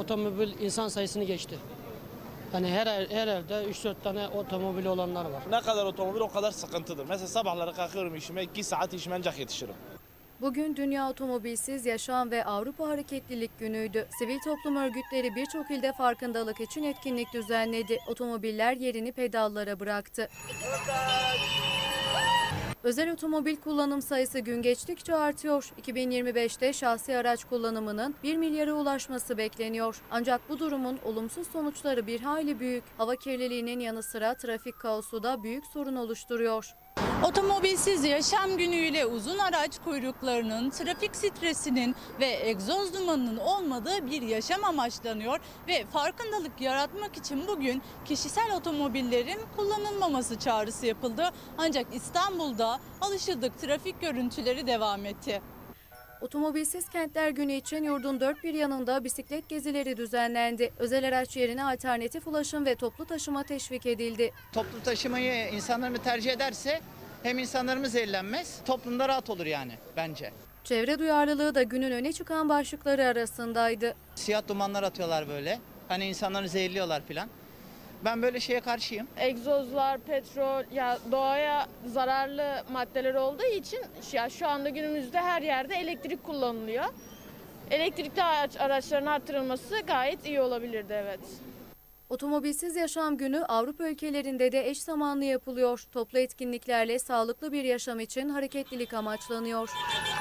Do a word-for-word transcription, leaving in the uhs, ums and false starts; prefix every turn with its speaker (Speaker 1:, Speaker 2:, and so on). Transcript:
Speaker 1: otomobil insan sayısını geçti. Hani her her evde üç dört tane otomobili olanlar var.
Speaker 2: Ne kadar otomobil o kadar sıkıntıdır. Mesela sabahları kalkıyorum işime, iki saat işime ancak yetişirim.
Speaker 3: Bugün Dünya Otomobilsiz Yaşam ve Avrupa Hareketlilik Günü'ydü. Sivil toplum örgütleri birçok ilde farkındalık için etkinlik düzenledi. Otomobiller yerini pedallara bıraktı. Özel otomobil kullanım sayısı gün geçtikçe artıyor. iki bin yirmi beşte şahsi araç kullanımının bir milyara ulaşması bekleniyor. Ancak bu durumun olumsuz sonuçları bir hayli büyük. Hava kirliliğinin yanı sıra trafik kaosu da büyük sorun oluşturuyor.
Speaker 4: Otomobilsiz Yaşam Günü'yle uzun araç kuyruklarının, trafik stresinin ve egzoz dumanının olmadığı bir yaşam amaçlanıyor ve farkındalık yaratmak için bugün kişisel otomobillerin kullanılmaması çağrısı yapıldı. Ancak İstanbul'da alışıldık trafik görüntüleri devam etti.
Speaker 3: Otomobilsiz Kentler Günü için yurdun dört bir yanında bisiklet gezileri düzenlendi. Özel araç yerine alternatif ulaşım ve toplu taşıma teşvik edildi.
Speaker 5: Toplu taşımayı insanlarımız tercih ederse hem insanlarımız eğlenmez, toplumda rahat olur yani bence.
Speaker 3: Çevre duyarlılığı da günün öne çıkan başlıkları arasındaydı.
Speaker 5: Siyah dumanlar atıyorlar böyle, hani insanları zehirliyorlar falan. Ben böyle şeye karşıyım.
Speaker 6: Egzozlar, petrol, ya doğaya zararlı maddeler olduğu için ya şu anda günümüzde her yerde elektrik kullanılıyor. Elektrikli araç, araçların artırılması gayet iyi olabilirdi, evet.
Speaker 3: Otomobilsiz Yaşam Günü Avrupa ülkelerinde de eş zamanlı yapılıyor. Toplu etkinliklerle sağlıklı bir yaşam için hareketlilik amaçlanıyor.